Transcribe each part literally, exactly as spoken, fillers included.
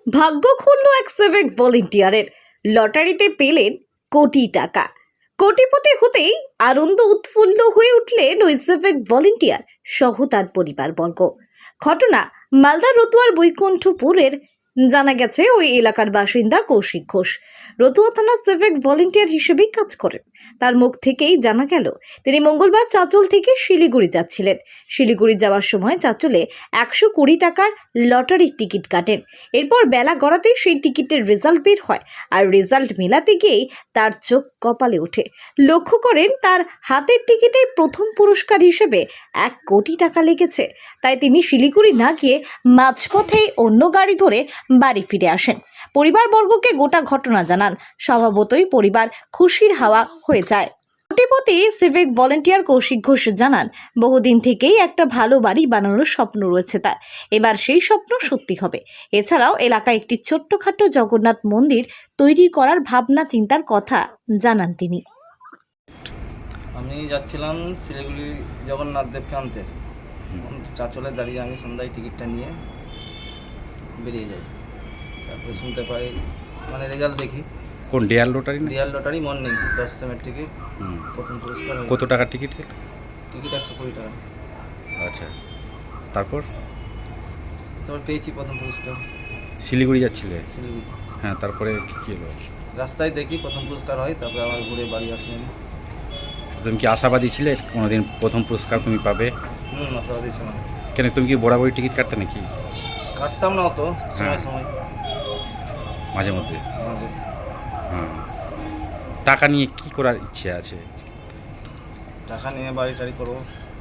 ভাগ্য খুলল এক সিভিক ভলেন্টিয়ারের। লটারিতে পেলেন কোটি টাকা। কোটিপতি হতেই আনন্দ উৎফুল্ল হয়ে উঠলেন ওই সিভিক ভলেন্টিয়ার সহ তার পরিবারবর্গ। ঘটনা মালদা রতুয়ার বৈকুণ্ঠপুরের। জানা গেছে ওই এলাকার বাসিন্দা কৌশিক ঘোষ রতুয়া থানার সিভিক ভলেন্টিয়ার হিসেবেই কাজ করেন। তার মুখ থেকেই জানা গেল তিনি মঙ্গলবার চাঁচল থেকে শিলিগুড়ি যাচ্ছিলেন। শিলিগুড়ি যাওয়ার সময় চাঁচলে একশো কুড়ি টাকার লটারির টিকিট কাটেন। এরপর বেলা গড়াতেই সেই টিকিটের রেজাল্ট বের হয়, আর রেজাল্ট মেলাতে গিয়েই তার চোখ কপালে ওঠে। লক্ষ্য করেন তার হাতের টিকিটে প্রথম পুরস্কার হিসেবে এক কোটি টাকা লেগেছে। তাই তিনি শিলিগুড়ি না গিয়ে মাঝপথেই অন্য গাড়ি ধরে বাড়ি ফিরে আসেন। পরিবারবর্গকে গোটা ঘটনা জানান। স্বভাবতই পরিবার খুশির হাওয়া হয়ে যায়। কোটিপতি সিভিক ভলেন্টিয়ার কৌশিক ঘোষ জানান, বহুদিন থেকেই একটা ভালো বাড়ি বানানোর স্বপ্ন রয়েছে তার। এবার সেই স্বপ্ন সত্যি হবে। এছাড়াও এলাকায় একটি ছোট্টখাটো জগন্নাথ মন্দির তৈরি করার ভাবনা চিন্তার কথা জানান তিনি। আমি যাচ্ছিলাম শিলিগুড়ি জগন্নাথ দেবকে আনতে। চাঁচলে দাঁড়িয়ে আমি সন্ধ্যায় টিকিটটা নিয়ে বেরিয়ে যাই। তারপরে শুনতে পাই, মানে রেজাল্ট দেখি। কোন dear lottery? Dear lottery morning দশ সেমের টিকিট, প্রথম পুরস্কার। কত টাকার টিকিট? টিকিট একশো কুড়ি টাকা। আচ্ছা, তারপর তারপর পেয়েছি প্রথম পুরস্কার। শিলিগুড়ি যাচ্ছিলে? শিলিগুড়ি। হ্যাঁ, তারপরে কী হলো? রাস্তায় দেখি প্রথম পুরস্কার হয়, তারপরে আবার ঘুরে বাড়ি আসি আমি। তুমি কি আশাবাদী ছিলে কোনোদিন প্রথম পুরস্কার তুমি পাবে? হুম, আশাবাদী ছিলাম। কেন, তুমি কি বরাবরই টিকিট কাটতে নাকি? কাটতাম না অত, সময় সময় মাঝে মধ্যে। মাঝে হ্যাঁ, টাকা নিয়ে কি করার ইচ্ছে আছে? টাকা নিয়ে বাড়ি টাড়ি করবো।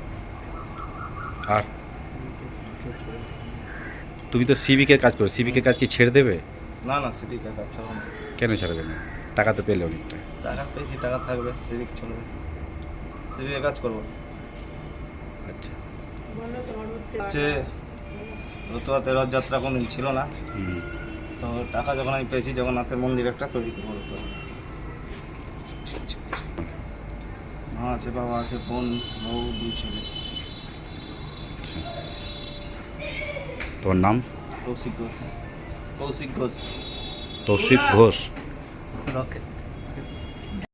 আর তুমি তো সিভিকের কাজ করো, সিভিকের কাজ কি ছেড়ে দেবে? না না, সিভিকের কাজ ছাড়বো না। কেন ছাড়বে না? টাকা তো পেলে অনেকটা। টাকা পেয়েছি, টাকা থাকবে, সিভিক চলবে, সিভিকের কাজ করবো। আচ্ছা, হচ্ছে রতুয়াতে রথযাত্রা কোনদিন ছিল না, হুম, তো টাকা যখন আমি পেয়েছি জগন্নাথের মন্দির একটা তৈরি করবো। রতুয়া মা আছে, বাবা আছে, বোন, বউ, দুই ছেলে। তোমার নাম? কৌশিক ঘোষ। কৌশিক ঘোষ। তৌশিক ঘোষ। রকেট।